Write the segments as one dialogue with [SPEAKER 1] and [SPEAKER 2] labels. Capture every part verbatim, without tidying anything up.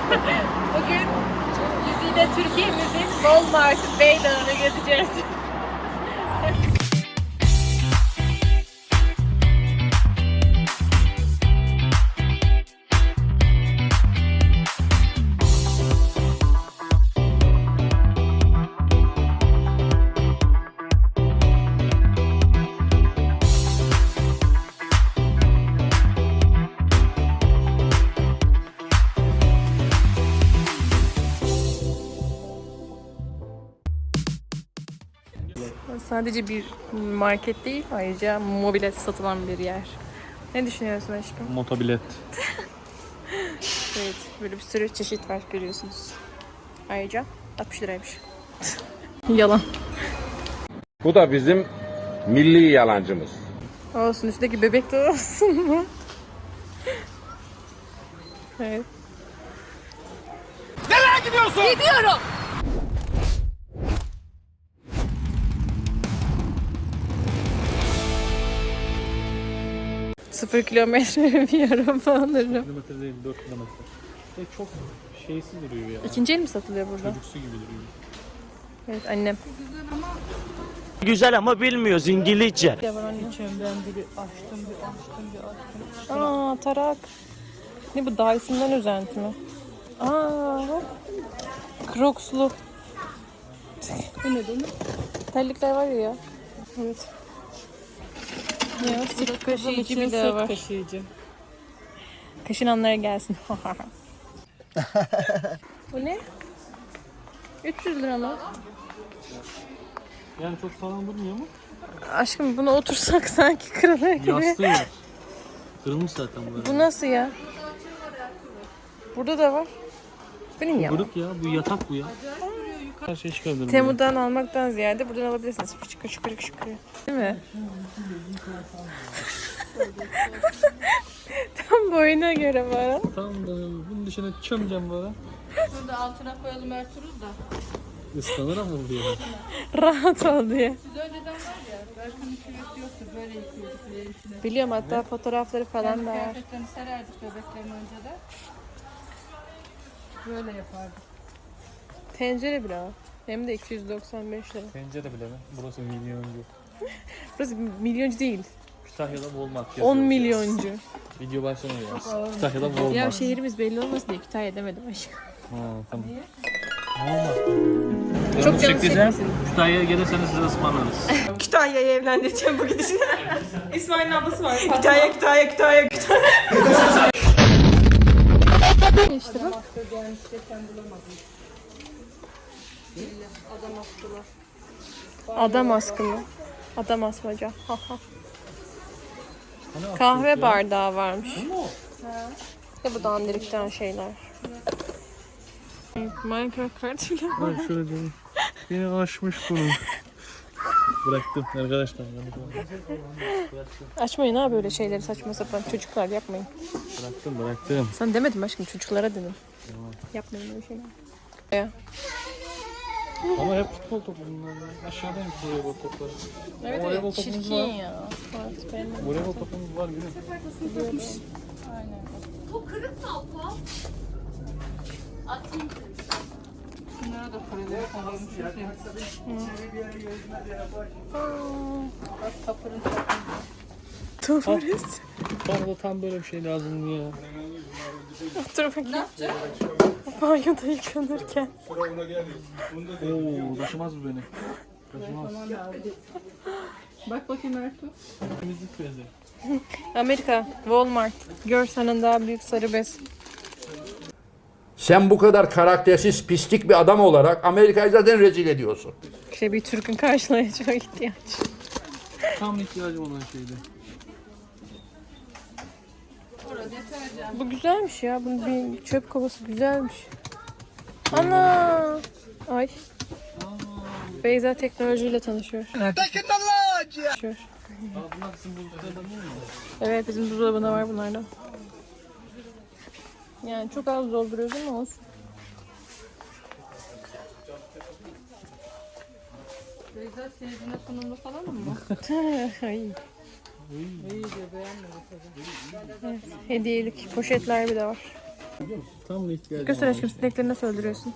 [SPEAKER 1] Bugün yüzüyle Türkiye'mizin Walmart Beydağı'nı gezeceğiz. Sadece bir market değil, ayrıca mobilet satılan bir yer. Ne düşünüyorsun aşkım?
[SPEAKER 2] Motobilet.
[SPEAKER 1] Evet, böyle bir sürü çeşit var görüyorsunuz. Ayrıca altmış liraymış. Yalan.
[SPEAKER 3] Bu da bizim milli yalancımız.
[SPEAKER 1] Olsun, üstteki bebek de olsun mu? Evet.
[SPEAKER 3] Nereye gidiyorsun?
[SPEAKER 1] Gidiyorum. Sıfır kilometre bir araba alırım.
[SPEAKER 2] Kilometre değil, dört kilometre. Ve çok şeysiz duruyor ya.
[SPEAKER 1] İkinci el mi satılıyor burada?
[SPEAKER 2] Çocuksu gibi duruyor.
[SPEAKER 1] Evet, annem.
[SPEAKER 4] Güzel ama bilmiyoruz İngilizce.
[SPEAKER 1] Ya var annem.
[SPEAKER 5] Ben biri açtım, bir açtım, bir açtım.
[SPEAKER 1] Aa, tarak. Ne bu, Dyson'dan özenti mi? Aa, Crocs'lu.
[SPEAKER 5] Bu ne demek?
[SPEAKER 1] Terlikler var ya. Evet. Ya, sırt kaşıyıcı bir de var.
[SPEAKER 5] Kaşıyıcı.
[SPEAKER 1] Kaşınanlara gelsin. Bu ne? üç yüz lira mı?
[SPEAKER 2] Yani çok sağlam durmuyor mu?
[SPEAKER 1] Aşkım, buna otursak sanki kırılır gibi.
[SPEAKER 2] Yastığı var. Kırılmış zaten bu.
[SPEAKER 1] Bu nasıl ya? Burada da var. Bu ne ya?
[SPEAKER 2] Buruk ya, bu yatak bu ya. Her şey çıkardım.
[SPEAKER 1] Temu'dan almaktan ziyade buradan alabilirsiniz. Şıkır şıkır şıkır. Değil mi? Tam boyuna göre var.
[SPEAKER 2] Tamam da bunun dışına çömeceğim böyle.
[SPEAKER 5] Şurada altına koyalım Ertuğrul da.
[SPEAKER 2] Islanır ama bu diye.
[SPEAKER 1] Rahat ol diye.
[SPEAKER 5] Biz önceden var ya, Berkan'ın küveti yoktu, böyle yıkıyorduk yerin içine.
[SPEAKER 1] Biliyorum, hatta fotoğrafları falan da var.
[SPEAKER 5] Kıyafetlerini sererdik bebeklerin önceden. Böyle yapardık.
[SPEAKER 1] Tencere bile var. Hem de iki yüz doksan beş lira.
[SPEAKER 2] Tencere bile mi? Burası milyoncu.
[SPEAKER 1] Burası milyoncu değil.
[SPEAKER 2] Kütahya'da Walmart yazıyor.
[SPEAKER 1] on milyoncu.
[SPEAKER 2] Video başlamıyor ya. Kütahya'da Walmart.
[SPEAKER 1] Ya şehrimiz belli olmasın diye Kütahya demedim aşkım.
[SPEAKER 2] Ha, tamam. Walmart.
[SPEAKER 1] Çok canı çekmesin.
[SPEAKER 2] Kütahya'ya gelirseniz size ısmarlarız.
[SPEAKER 6] Kütahya'yı evlendireceğim bu gidişine. İsmail'in ablası var. Kütahya, Kütahya, Kütahya, Kütahya.
[SPEAKER 1] İşte bak. Adam askı mı? Adam asmaca. Ha ha. Kahve bardağı varmış. İşte bu dandirikten şeyler. Minecraft kartıyla var.
[SPEAKER 2] Bak şöyle diyeyim. Beni aşmış bunu. Bıraktım arkadaşlar.
[SPEAKER 1] Açmayın ha böyle şeyleri, saçma sapan. Çocuklar yapmayın.
[SPEAKER 2] Bıraktım bıraktım.
[SPEAKER 1] Sen demedim aşkım, çocuklara dedim. Yapmayın öyle şeyler. Ya.
[SPEAKER 2] Ama hep futbol topu bunlar ya. Aşağıdayım voleybol topları.
[SPEAKER 1] Evet
[SPEAKER 2] Voleybol
[SPEAKER 1] evet,
[SPEAKER 2] topumuz
[SPEAKER 1] çirkin
[SPEAKER 2] var.
[SPEAKER 1] ya. Evet, benim.
[SPEAKER 2] Voleybol topumuz var gülüm.
[SPEAKER 5] Bunlara da paraları koyuyormuş. Bak tapırın tapırın.
[SPEAKER 1] Tuvalet.
[SPEAKER 2] Bana da tam böyle bir şey lazım ya.
[SPEAKER 1] Dur bakayım. Banyoda yıkanırken.
[SPEAKER 2] Oo taşımaz bu beni. Taşımaz.
[SPEAKER 5] Bak bakayım Ertuğrul.
[SPEAKER 2] Temizlik bezi.
[SPEAKER 1] Amerika, Walmart. Görsenin daha büyük sarı bez.
[SPEAKER 7] Sen bu kadar karaktersiz, pislik bir adam olarak Amerika'yı zaten rezil ediyorsun.
[SPEAKER 1] İşte bir Türk'ün karşılayacağı ihtiyaç.
[SPEAKER 2] Tam ihtiyacım olan şeydi.
[SPEAKER 1] Bu güzelmiş ya. Bunun bir çöp kovası güzelmiş. Ana! Ay. Beyza teknolojiyle tanışıyor. Tanışıyor.
[SPEAKER 2] Aa bunlar sizin buzdolabında değil mi?
[SPEAKER 1] Evet, bizim buzdolabında var bunlardan. Yani çok az dolduruyoruz ama olsun.
[SPEAKER 5] Beyza seyircine sunumlu falan mı?
[SPEAKER 1] Ay.
[SPEAKER 5] İyi de beğenmedim tabii.
[SPEAKER 1] Evet, hediyelik poşetler bir de var.
[SPEAKER 2] Tam da ihtiyacım
[SPEAKER 1] Göster
[SPEAKER 2] var.
[SPEAKER 1] aşkım, sinekleri nasıl öldürüyorsun?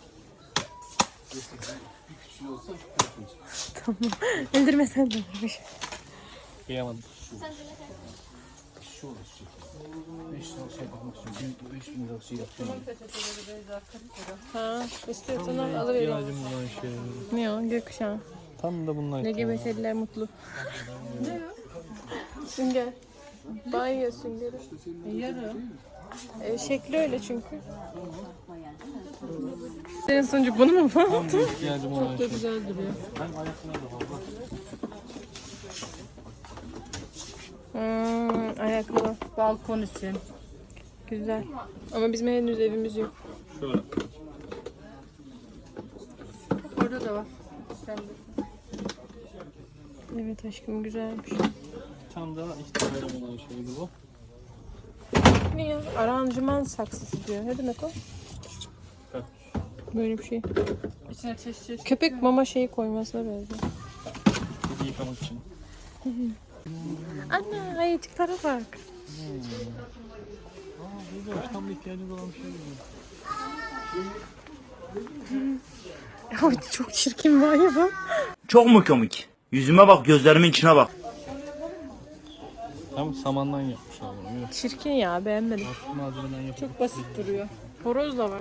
[SPEAKER 1] Tamam. Öldürmesen de olurmuş.
[SPEAKER 2] Kıyamadım.
[SPEAKER 1] Ha, istiyorsan al, alıvereyim.
[SPEAKER 2] İhtiyacım olan şey.
[SPEAKER 1] Ne o? Gökkuşağı.
[SPEAKER 2] Tam da bunlar.
[SPEAKER 1] L G B T'liler mutlu. Ne o? Sünger. Banyo süngeri.
[SPEAKER 5] Yarı.
[SPEAKER 1] E, şekli öyle çünkü. Senin sonucu bunu mu
[SPEAKER 2] Tam
[SPEAKER 1] falan?
[SPEAKER 2] da ihtiyacım olan
[SPEAKER 5] Çok
[SPEAKER 2] şey.
[SPEAKER 5] güzel duruyor.
[SPEAKER 2] Hem ayaklarına da fazla.
[SPEAKER 1] Hmm, ayakkabı.
[SPEAKER 5] Balkon için.
[SPEAKER 1] Güzel. Ama bizim henüz evimiz yok.
[SPEAKER 2] Şöyle.
[SPEAKER 5] Orada da var. Sen de.
[SPEAKER 1] Evet aşkım, güzelmiş.
[SPEAKER 2] Tam da ihtiyacım olan şeydi bu.
[SPEAKER 1] Ne ya? Aranjman saksısı diyor. Ne demek o?
[SPEAKER 2] Evet.
[SPEAKER 1] Böyle bir şey.
[SPEAKER 5] İçine çeşit çeşit.
[SPEAKER 1] Köpek mama şeyi koymasına benziyor.
[SPEAKER 2] Kedi yıkamak için.
[SPEAKER 1] Anne, ayıcıklara bak.
[SPEAKER 2] Aa, güzel. Tam da ihtiyacım olan bir şey bu.
[SPEAKER 1] Ya çok çirkin var ya bu.
[SPEAKER 4] Çok mu komik? Yüzüme bak, gözlerimin içine bak.
[SPEAKER 2] Tam samandan yapmışlar bunu. Yok.
[SPEAKER 1] Çirkin ya, beğenmedim.
[SPEAKER 2] Başka malzemeden yapılmış.
[SPEAKER 5] Çok basit duruyor.
[SPEAKER 1] Horoz da var.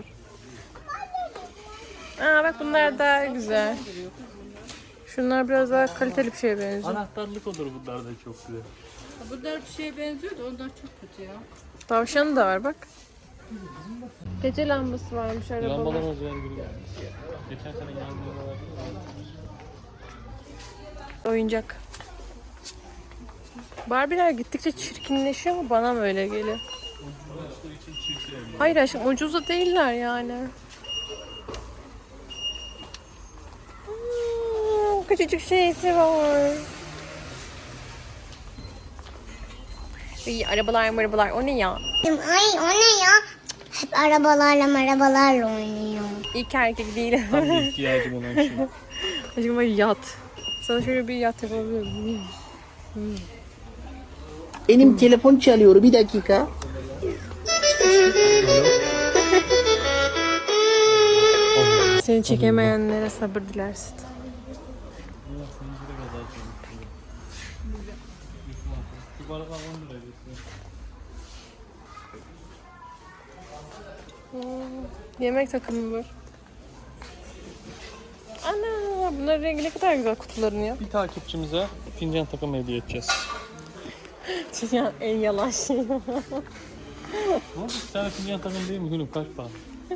[SPEAKER 1] Aa bak, bunlar daha güzel. Şunlar biraz daha kaliteli bir şeye benziyor.
[SPEAKER 2] Anahtarlık olur bunlar da çok güzel.
[SPEAKER 5] Bunlar bir şeye benziyor da onlar çok kötü ya.
[SPEAKER 1] Tavşanı da var bak. Gece lambası varmış arabada.
[SPEAKER 2] Lambalar özel gibi geldi. Geçen sene yangınlar vardı.
[SPEAKER 1] Oyuncak. Barbie'ler gittikçe çirkinleşiyor ama bana mı öyle geliyor? Hayır aşkım, ucuz da değiller yani. Hmm, küçücük şeysi var. İyi, arabalar arabalar, o ne ya?
[SPEAKER 8] Ay o ne ya? Hep arabalarla arabalarla oynuyor.
[SPEAKER 1] İlk erkek değil.
[SPEAKER 2] Tam da ihtiyacım olan şey.
[SPEAKER 1] Aşkım bak, yat. Sana şöyle bir yat yapabilirim.
[SPEAKER 9] Benim telefon çalıyor, bir dakika.
[SPEAKER 1] Seni çekemeyenlere sabır dilersin.
[SPEAKER 2] Şu baraka on lira
[SPEAKER 1] Yemek takımı var. Ana, bunların rengi ne kadar güzel kutuların ya.
[SPEAKER 2] Bir takipçimize fincan takımı hediye edeceğiz.
[SPEAKER 1] Ya en yalan şey.
[SPEAKER 2] Ne oldu? Bir tane fincan takımı değil mi gülüm? Kaç para?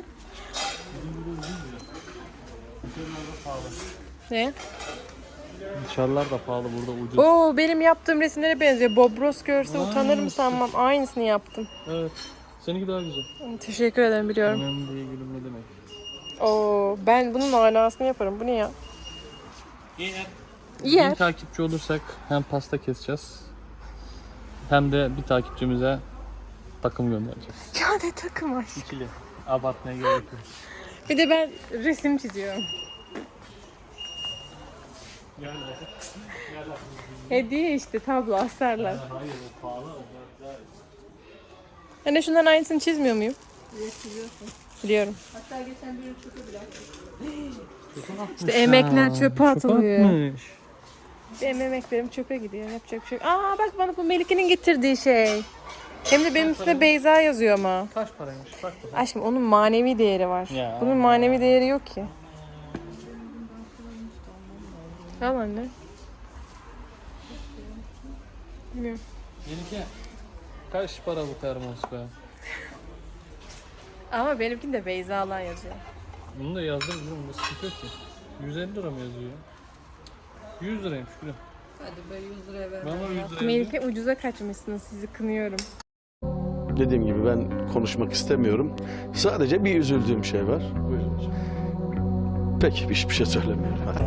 [SPEAKER 1] Ne?
[SPEAKER 2] Dışarılar da pahalı, burada ucuz.
[SPEAKER 1] Oo, benim yaptığım resimlere benziyor. Bob Ross görse utanır mı sanmam. Aynısını yaptım.
[SPEAKER 2] Evet. Seninki daha güzel.
[SPEAKER 1] Teşekkür ederim, biliyorum.
[SPEAKER 2] Önemli değil gülüm, ne demek.
[SPEAKER 1] Oo, ben bunun manasını yaparım. Bu ne ya?
[SPEAKER 2] İyi.
[SPEAKER 1] İyi yer.
[SPEAKER 2] Bir takipçi olursak hem pasta keseceğiz hem de bir takipçimize takım göndereceğiz.
[SPEAKER 1] Ya ne takım var?
[SPEAKER 2] İkili. Abartmaya gerek yok.
[SPEAKER 1] Bir de ben resim çiziyorum. Hediye işte, tablo asarlar.
[SPEAKER 2] Hayır, o pahalı.
[SPEAKER 1] Hani şundan aynısını çizmiyor muyum? Biliyorum.
[SPEAKER 5] Hatta geçen bir çöpe bile
[SPEAKER 1] İşte emekler çöpe atılıyor.
[SPEAKER 2] atmış.
[SPEAKER 1] Benim emeklerim çöpe gidiyor. Yapacak bir şey yok. Aa bak, bana bu Melike'nin getirdiği şey. Hem de benim üstüne Beyza yazıyor ama.
[SPEAKER 2] Kaç paraymış? Bak bakalım.
[SPEAKER 1] Aşkım, onun manevi değeri var.
[SPEAKER 2] Ya.
[SPEAKER 1] Bunun manevi değeri yok ki. Al anne. Bilmiyorum.
[SPEAKER 2] Melike, kaç para bu termos be?
[SPEAKER 1] Ama benimkinde Beyza'lar yazıyor.
[SPEAKER 2] Bunu da yazdım gülüm, bunda sıkıntı yok ki. yüz elli lira mı yazıyor? yüz liraymış gülüm.
[SPEAKER 5] hadi be yüz liraya ver.
[SPEAKER 2] Ben ona yüz lira yazdım.
[SPEAKER 1] Melike, ucuza kaçmışsınız, sizi kınıyorum.
[SPEAKER 10] Dediğim gibi ben konuşmak istemiyorum. Sadece bir üzüldüğüm şey var.
[SPEAKER 2] Buyurun hocam.
[SPEAKER 10] Peki hiçbir şey söylemiyorum. Hadi.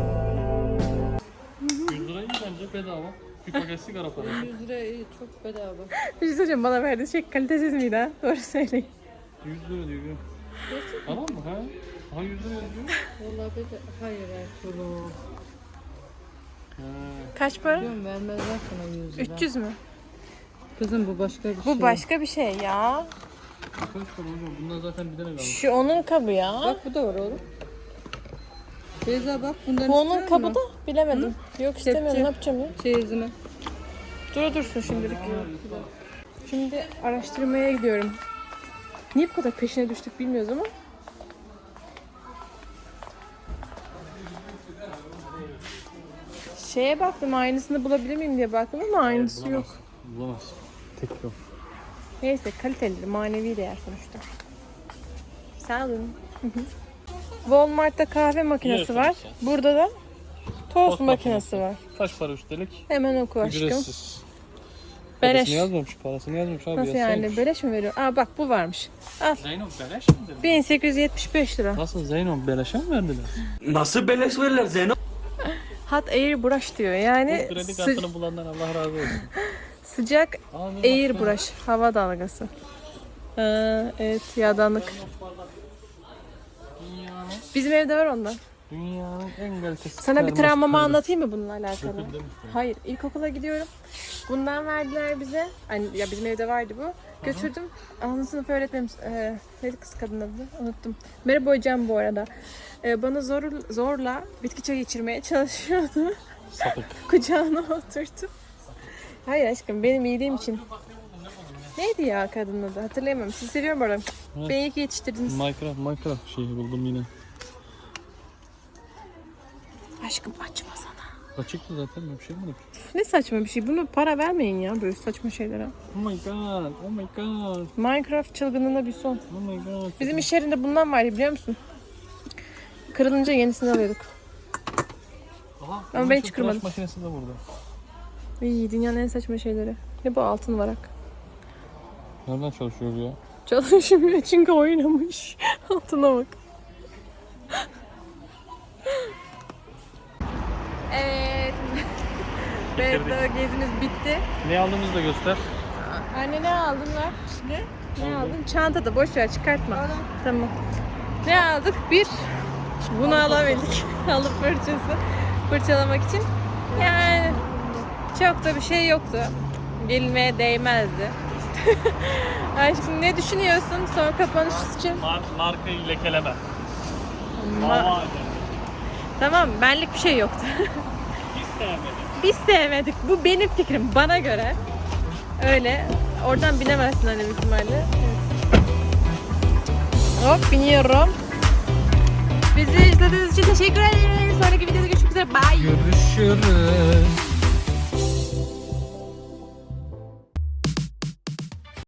[SPEAKER 2] yüz lira iyi bence, bedava. Bir paket sigara parası.
[SPEAKER 5] yüz liraya iyi, çok bedava.
[SPEAKER 1] Bir şey söyleyeceğim, bana verdiği şey kalitesiz miydi ha? Doğru söyleyin.
[SPEAKER 2] yüz lira diyor gülüm. Tamam mı ha? Ha yüz lira yazıyor.
[SPEAKER 5] Vallahi bedava. Hayır Ertuğrul.
[SPEAKER 2] Ha.
[SPEAKER 1] Kaç para?
[SPEAKER 5] Diyorum vermezler sana yüz lira.
[SPEAKER 1] üç yüz mü?
[SPEAKER 5] Kızım bu başka bir şey.
[SPEAKER 1] Bu başka bir şey ya.
[SPEAKER 2] Kaç para hocam? Bundan zaten bir tane kalmış.
[SPEAKER 1] Şu onun kabı ya.
[SPEAKER 5] Bak bu da var oğlum. Beyza bak bundan
[SPEAKER 1] Bu onun
[SPEAKER 5] istiyor
[SPEAKER 1] kabı
[SPEAKER 5] musun?
[SPEAKER 1] da bilemedim. Yok istemiyorum,
[SPEAKER 5] Kepçe.
[SPEAKER 1] ne yapacağım ya?
[SPEAKER 5] Çeyizini.
[SPEAKER 1] Dur dursun şimdilik. Şimdi araştırmaya gidiyorum. Niye bu kadar peşine düştük bilmiyoruz ama. Şeye baktım, aynısını bulabilir miyim diye baktım ama aynısı yok.
[SPEAKER 2] Bulamaz. Tek yok.
[SPEAKER 1] Neyse, kaliteli, manevi değer sonuçta. Sağ olun. Walmart'ta kahve makinesi var. Burada da tost
[SPEAKER 2] Tost
[SPEAKER 1] makinesi
[SPEAKER 2] makinesi.
[SPEAKER 1] var.
[SPEAKER 2] Kaç para üstelik?
[SPEAKER 1] Hemen oku aşkım.
[SPEAKER 2] Ücretsiz.
[SPEAKER 1] Beleş.
[SPEAKER 2] Parasını yazmamış, parasını yazmamış abi.
[SPEAKER 1] Nasıl
[SPEAKER 2] yazsaymış.
[SPEAKER 1] yani? Beleş mi veriyor? Aa bak bu varmış. Al.
[SPEAKER 2] Zeyno beleş mi dedi?
[SPEAKER 1] bin sekiz yüz yetmiş beş lira.
[SPEAKER 2] Nasıl Zeyno beleşe mi verdiler?
[SPEAKER 4] Nasıl beleş verirler Zeyno?
[SPEAKER 1] Hot Air Brush diyor. Yani
[SPEAKER 2] Bu kredi
[SPEAKER 1] sı-
[SPEAKER 2] kartını bulandan Allah razı olsun.
[SPEAKER 1] sıcak
[SPEAKER 2] Abi bak
[SPEAKER 1] Air
[SPEAKER 2] ya.
[SPEAKER 1] Brush. Hava dalgası. Aa, evet yağdanlık.
[SPEAKER 2] Dünyanın,
[SPEAKER 1] Bizim evde var ondan.
[SPEAKER 2] dünyanın en kalitesiz
[SPEAKER 1] Sana bir
[SPEAKER 2] termos
[SPEAKER 1] travmamı
[SPEAKER 2] kırdı.
[SPEAKER 1] anlatayım mı bununla alakalı?
[SPEAKER 2] Söküldü mü?
[SPEAKER 1] Hayır, ilkokula gidiyorum. Bundan verdiler bize. Hani ya bizim evde vardı bu. Götürdüm. Ana sınıf öğretmenim, e, neydi kız kadın adı? Unuttum. Merhaba hocam bu arada. E, bana zor, zorla bitki çayı içirmeye çalışıyordu.
[SPEAKER 2] Sapık.
[SPEAKER 1] Kucağına oturttum. Hayır aşkım, benim iyiliğim için. Neydi ya kadının adı? Hatırlayamam. Sizi seviyorum bu arada.
[SPEAKER 2] Evet.
[SPEAKER 1] Beni iyi ki yetiştirdiniz.
[SPEAKER 2] Minecraft, Minecraft şeyi buldum yine.
[SPEAKER 1] Aşkım açma sana.
[SPEAKER 2] Açıktı zaten, ben bir şey mi?
[SPEAKER 1] Ne saçma bir şey. Bunu para vermeyin ya böyle saçma şeylere.
[SPEAKER 2] Oh my god, oh my god,
[SPEAKER 1] Minecraft çılgınlığına bir son.
[SPEAKER 2] oh my god.
[SPEAKER 1] Bizim iş yerinde bundan vardı biliyor musun? Kırılınca yenisini alıyorduk.
[SPEAKER 2] Aha,
[SPEAKER 1] Ama
[SPEAKER 2] bunun
[SPEAKER 1] ben
[SPEAKER 2] şu
[SPEAKER 1] hiç
[SPEAKER 2] tıraş
[SPEAKER 1] kırmadım.
[SPEAKER 2] makinesi de burada.
[SPEAKER 1] İyi, dünyanın en saçma şeyleri. Ne bu altın varak?
[SPEAKER 2] Nereden çalışıyor bu ya?
[SPEAKER 1] Çalışmıyor çünkü oynamış. Altına bak. Evet. Beyda gezimiz bitti.
[SPEAKER 2] Ne aldığımızı da göster.
[SPEAKER 1] Anne ne aldın lan? Ne? Ne aldın? Çantada boş ver çıkartma. Tamam. Ne aldık? Bir bunu alabildik. Halı fırçası. Fırçalamak için. Yani çok da bir şey yoktu. Gelinmeye değmezdi. Aşkım ne düşünüyorsun son kapanış için?
[SPEAKER 2] Mar markayı lekeleme.
[SPEAKER 1] Ma- tamam benlik bir şey yoktu.
[SPEAKER 2] Hiç sevmedim.
[SPEAKER 1] Biz sevmedik. Bu benim fikrim. Bana göre. Öyle. Oradan binemezsin hani büyük ihtimalle. Evet. Hop biniyorum. Bizi izlediğiniz için teşekkür ederiz. Sonraki videoda görüşmek üzere. Bye.
[SPEAKER 2] Görüşürüz.